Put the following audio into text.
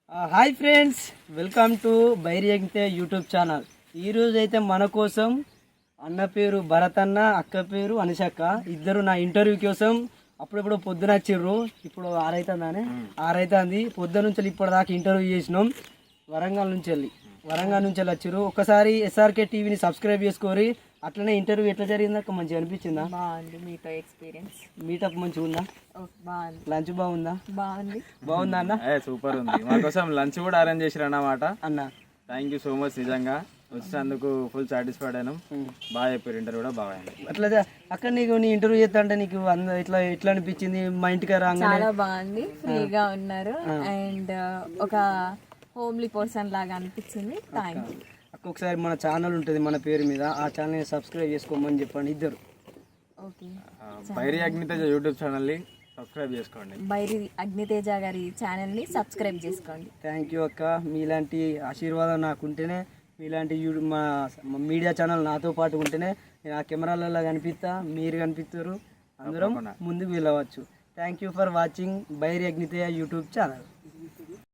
Hi friends, welcome to Bairi ఎగ్తే YouTube channel. ఈరోజు అయితే మన కోసం అన్న పేరు భరత్ అన్న, అక్క పేరు అనుషక్క, ఇద్దరు నా ఇంటర్వ్యూ కోసం అప్పుడెప్పుడు పొద్దున వచ్చిర్రు. ఇప్పుడు 6 అవుతుందని 6 అవుతుంది. పొద్దున నుంచి ఇప్పటిదాకా ఇంటర్వ్యూ చేసినాం. వరంగల్ నుంచి వెళ్ళి వచ్చిర్రు. ఒకసారి ఎస్ఆర్కే టీవీని సబ్స్క్రైబ్ చేసుకోరి. అట్లనే ఇంటర్వ్యూ ఎట్లా జరిగిందా మంచిగా అనిపించిందా? బాగుంది. మీతో ఎక్స్పీరియన్స్ మీటప్ మంచిగా ఉందా? బాగుంది. లంచ్ బాగుందా? బాగుందా అన్న? సూపర్ ఉంది. మా కోసం లంచ్ కూడా అరేంజ్ చేసిరు అన్నమాట. అన్న థ్యాంక్ యూ సో మచ్. నిజంగా వచ్చినందుకు ఫుల్ సాటిస్ఫైడ్ అయినాం. బాగా చెప్పారు, ఇంటర్వ్యూ కూడా బాగా అయింది. అట్లా అక్కడ నీకు నీ ఇంటర్వ్యూ చేస్తా అంటే నీకు ఇట్లా ఎట్లా అనిపించింది? మా ఇంటికి రాగానే చాలా బాగుంది. ఫ్రీగా ఉన్నారు అండ్ ఒక హోమ్లీ పర్సన్ లాగా అనిపించింది. Thank you. ఒకసారి మన ఛానల్ ఉంటుంది మన పేరు మీద, ఆ ఛానల్ సబ్స్క్రైబ్ చేసుకోమని చెప్పండి ఇద్దరు. ఓకే. బైరి అగ్నితేజ యూట్యూబ్ ఛానల్ని సబ్స్క్రైబ్ చేసుకోండి. బైరి అగ్నితేజ గారి ఛానల్ని సబ్స్క్రైబ్ చేసుకోండి. థ్యాంక్ యూ అక్క. మీలాంటి ఆశీర్వాదం నాకుంటేనే, మీలాంటి మా మీడియా ఛానల్ నాతో పాటు ఉంటేనే నేను ఆ కెమెరాలలో కనిపిస్తా, మీరు కనిపిస్తారు, అందరం ముందుకు వెళ్ళవచ్చు. Thank you for watching Bairi Agniteja YouTube channel.